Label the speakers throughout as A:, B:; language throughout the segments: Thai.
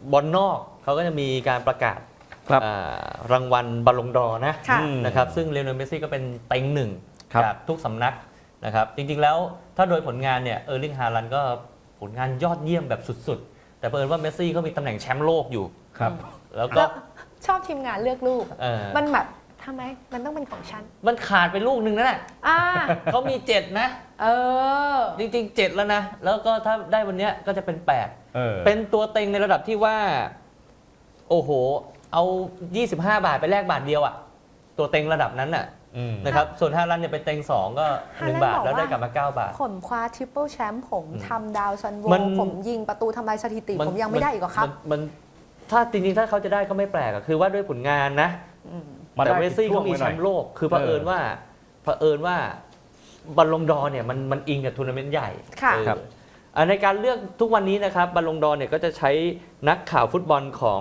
A: บอลนอกเขาก็จะมีการประกาศรางวัลบอลลงดอร์นะครับซึ่งเลโอเนล เมสซี่ก็เป็นเต็งหนึ่งจากทุกสำนักนะครับจริงๆแล้วถ้าโดยผลงานเนี่ยเออร์ลิง ฮาลันด์ก็ผลงานยอดเยี่ยมแบบสุดๆแต่เผอิญว่าเมสซี่เขามีตำแหน่งแชมป์โลกอยู่แล้วก็
B: ชอบทีมงานเลือกลูกมันแบบทำไมมันต้องเป็นของฉัน
A: มันขาดไปลูกนึงนั่นแหละเขามี7นะจริงๆ7แล้วนะแล้วก็ถ้าได้วันนี้ก็จะเป็น8เป็นตัวเต็งในระดับที่ว่าโอ้โหเอา25 บาทไปแลกบาทเดียวอ่ะตัวเต็งระดับนั้นน่ะนะครับส่วนฮาลันด์เนี่ยเป็นเต็ง2ก็1 บาทแล้วได้กลับมา9 บาท
B: ผมคว้าทริปเปิลแชมป์ผมทำดาวซันโวผมยิงประตูทำลายสถิติผมยังไม่ได้อีกหรอครับ
A: มันถ้าจริงๆถ้าเขาจะได้ก็ไม่แปลกคือว่าด้วยผลงานนะแต่เมสซี่เขามีแชมป์โลกคือเผอิญว่าบอลลงดอร์เนี่ยมันอิงกับทัวร์นาเมนต์ใหญ่ในการเลือกทุกวันนี้นะครับบอลลงดอร์เนี่ยก็จะใช้นักข่าวฟุตบอลของ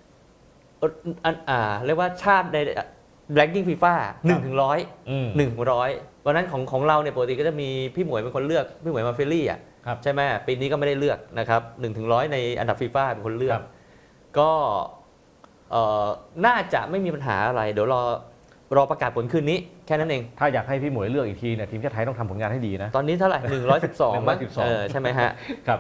A: เรียกว่าชาติในแรงกิ้งฟีฟ่า1-100วันนั้นของเราเนี่ยปกติก็จะมีพี่หมวยเป็นคนเลือกพี่หมวยมาเฟลลี่ใช่ไหมปีนี้ก็ไม่ได้เลือกนะครับ1-100ในอันดับฟีฟ่าเป็นคนเลือกก็น่าจะไม่มีปัญหาอะไรเดี๋ยวรอประกาศผลคืนนี้แค่นั้นเอง
C: ถ้าอยากให้พี่หมวยเลือกอีกทีเนี่ยทีมชาติไทยต้องทำผลงานให้ดีนะ
A: ตอนนี้เท่าไหร่112มั้งใช่ไหมฮะ
C: ครับ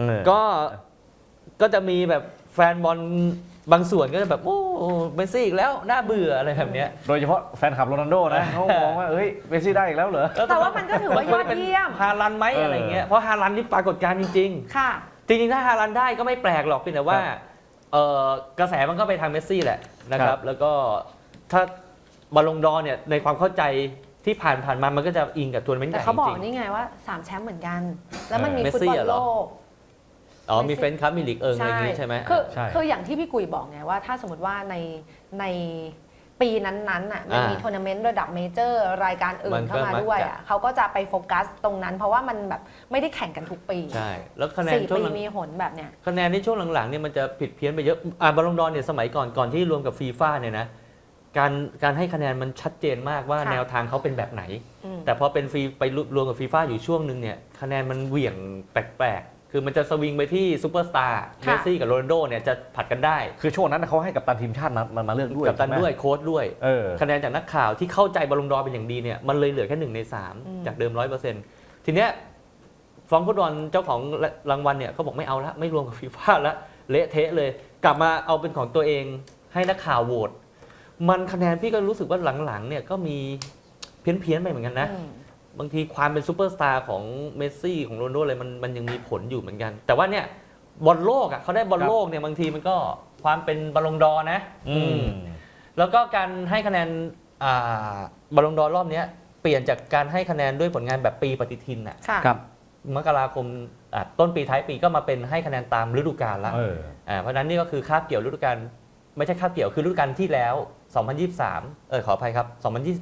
A: ก็จะมีแบบแฟนบอลบางส่วนก็จะแบบโอ้เมสซี่อีกแล้วน่าเบื่ออะไรแบบนี้
C: โดยเฉพาะแฟนคลับโรนัลโดนะเขามองว่าเอ้ยเมสซี่ได้อีกแล้วเหรอ
B: แต่ว่ามันก็ถือว่ายอดเยี่ยม
A: ฮาลันด์ไหมอะไรเงี้ยเพราะฮาลันด์นี่ปรากฏการณ์จริงๆ
B: ค่ะ
A: จริงๆถ้าฮาลันด์ได้ก็ไม่แปลกหรอกเพียงแต่ว่ากระแสมันก็ไปทางเมสซี่แหละนะครับแล้วก็ถ้าบอลลงดอร์เนี่ยในความเข้าใจที่ผ่านมามันก็จะอิงกับทัวร์นาเมนต์ใหญ่
B: แต่เขาบอกนี่ไงว่า3แชมป์เหมือนกันแล้วมันมีฟุตบอลโลก
A: มีเฟรนช์คัพมีลีกอะไรอย่างนี้ใช่ไหม
B: คืออย่างที่พี่กุยบอกไงว่าถ้าสมมติว่าในปีนั้นๆน่ะมันมีทัวร์นาเมนต์ระดับเมเจอร์รายการอื่นเข้ามาด้วยอ่ะเขาก็จะไปโฟกัสตรงนั้นเพราะว่ามันแบบไม่ได้แข่งกันทุกปี
A: ใช่แล้วคะแนน
B: ช่วงมีหนแบบเนี้ย
A: คะแนนในช่วงหลังๆเนี่ยมันจะผิดเพี้ยนไปเยอะบอลลงดอร์เนี่ยสมัยก่อนที่รวมกับฟีฟ่าเนี่ยนะการให้คะแนนมันชัดเจนมากว่าแนวทางเขาเป็นแบบไหนแต่พอเป็นฟีไปรวมกับฟีฟ่าอยู่ช่วงนึงเนี่ยคะแนนมันเหวี่ยงแปลกๆคือมันจะสวิงไปที่ซูเปอร์สตาร์เมสซี่กับโรนัลโดเนี่ยจะผัดกันได้
C: คือช่วงนั้นเขาให้กัปตันทีมชาติมาเลือกด้วย
A: กัปตันด้วยโค้ชด้วยคะแนนจากนักข่าวที่เข้าใจบอลลงดอร์เป็นอย่างดีเนี่ยมันเลยเหลือแค่1 ใน 3จากเดิม 100%ทีเนี้ยฟองฟุตบอลเจ้าของรางวัลเนี่ยเขาบอกไม่เอาละไม่รวมกับฟีฟ่าละเละเทะเลยกลับมาเอาเป็นของตัวเองให้นักข่าวโหวตมันคะแนนพี่ก็รู้สึกว่าหลังๆเนี่ยก็มีเพี้ยนไปเหมือนกันนะบางทีความเป็นซูเปอร์สตาร์ของเมสซี่ของโรนัลโดอะไรมันยังมีผลอยู่เหมือนกันแต่ว่าเนี่ยบอลโลกเขาได้บอลโลกเนี่ยบางทีมันก็ความเป็นบอลลงดอร์นะแล้วก็การให้คะแนนบอลลงดอร์รอบนี้เปลี่ยนจากการให้คะแนนด้วยผลงานแบบปีปฏิทินมกราคมต้นปีท้ายปีก็มาเป็นให้คะแนนตามฤดูกาลแล้วเพราะนั้นนี่ก็คือคาบเกี่ยวฤดูกาลไม่ใช่คาบเกี่ยวคือฤดูกาลที่แล้ว2023ขออภัยครับ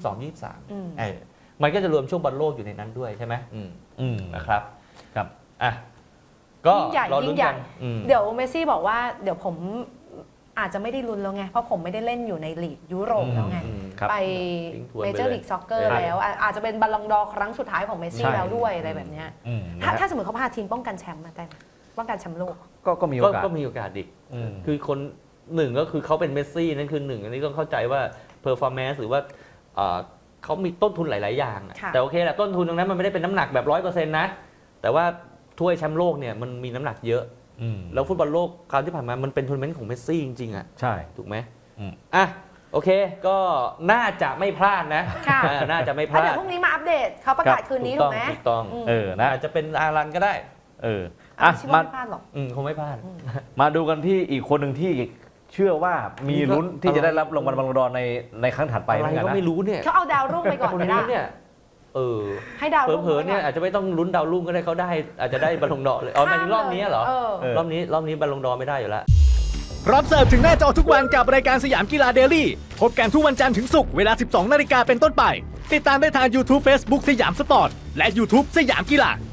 A: 2022-23มันก็จะรวมช่วงบอลโลกอยู่ในนั้นด้วยใช่ไหมนะครับ
C: ครับ
A: ก็
B: ยิ่งใหญ่เดี๋ยวเมสซี่บอกว่าเดี๋ยวผมอาจจะไม่ได้ลุ้นแล้วไงเพราะผมไม่ได้เล่นอยู่ในลีกยุโรปแล้วไงไปเมเจอร์ลีกซ็อกเกอร์แล้วอาจจะเป็นบอลลงดอร์ครั้งสุดท้ายของเมสซี่แล้วด้วยอะไรแบบนี้ถ้าสมมติเขาพาทีมป้องกันแชมป์มาได้ป้องกันแชมป์โลก
A: ก็มีโอกาสอีกคือคนหนึ่งก็คือเขาเป็นเมสซี่นั่นคือหนึ่งอันนี้ต้องเข้าใจว่าเพอร์ฟอร์แมนซ์หรือว่าเขามีต้นทุนหลายๆอย่างแต่โอเคแหละต้นทุนตรงนั้นมันไม่ได้เป็นน้ำหนักแบบ 100% นะแต่ว่าถ้วยแชมป์โลกเนี่ยมันมีน้ำหนักเยอะแล้วฟุตบอลโลกคราวที่ผ่านมามันเป็นทัวร์นาเมนต์ของเมสซี่จริงๆ
C: ใช่
A: ถูกไหมโอเคก็น่าจะไม่พลาดนะน่าจะไม่พลาด
B: เดี๋ยวพรุ่งนี้มาอัปเดตเขาประกาศคืนนี้ถูกไหม
A: ถูกต้องนะอาจจะเป็นอารันก็ได้
B: ไม่พลาดหรอก
A: คงไม่พลาด
C: มาดูกันที่อีกคนหนึ่งที่เชื่อว่ามีลุ้นที่จะได้รับรางวัลบอลลงดอร์ในครั้งถัดไป
A: อะไรก็ไม่รู้เนี่ย
B: เขาเอาดาวรุ่งไปก่อนไม่ได้ให้ดาวรุ่ง
A: เผลอๆเนี่ยอาจจะไม่ต้องลุ้นดาวรุ่งก็ได้เขาได้อาจจะได้บอลลงดอร์เลยหมายถึงรอบนี้เหรอรอบนี้บอลลงดอร์ไม่ได้อยู่แล้ว
D: รับเสิร์ฟถึงหน้าจอทุกวันกับรายการสยามกีฬาเดลี่พบกันทุกวันจันทร์ถึงศุกร์เวลา 12 นาฬิกาเป็นต้นไปติดตามได้ทาง YouTube Facebook สยามสปอร์ตและ YouTube สยามกีฬา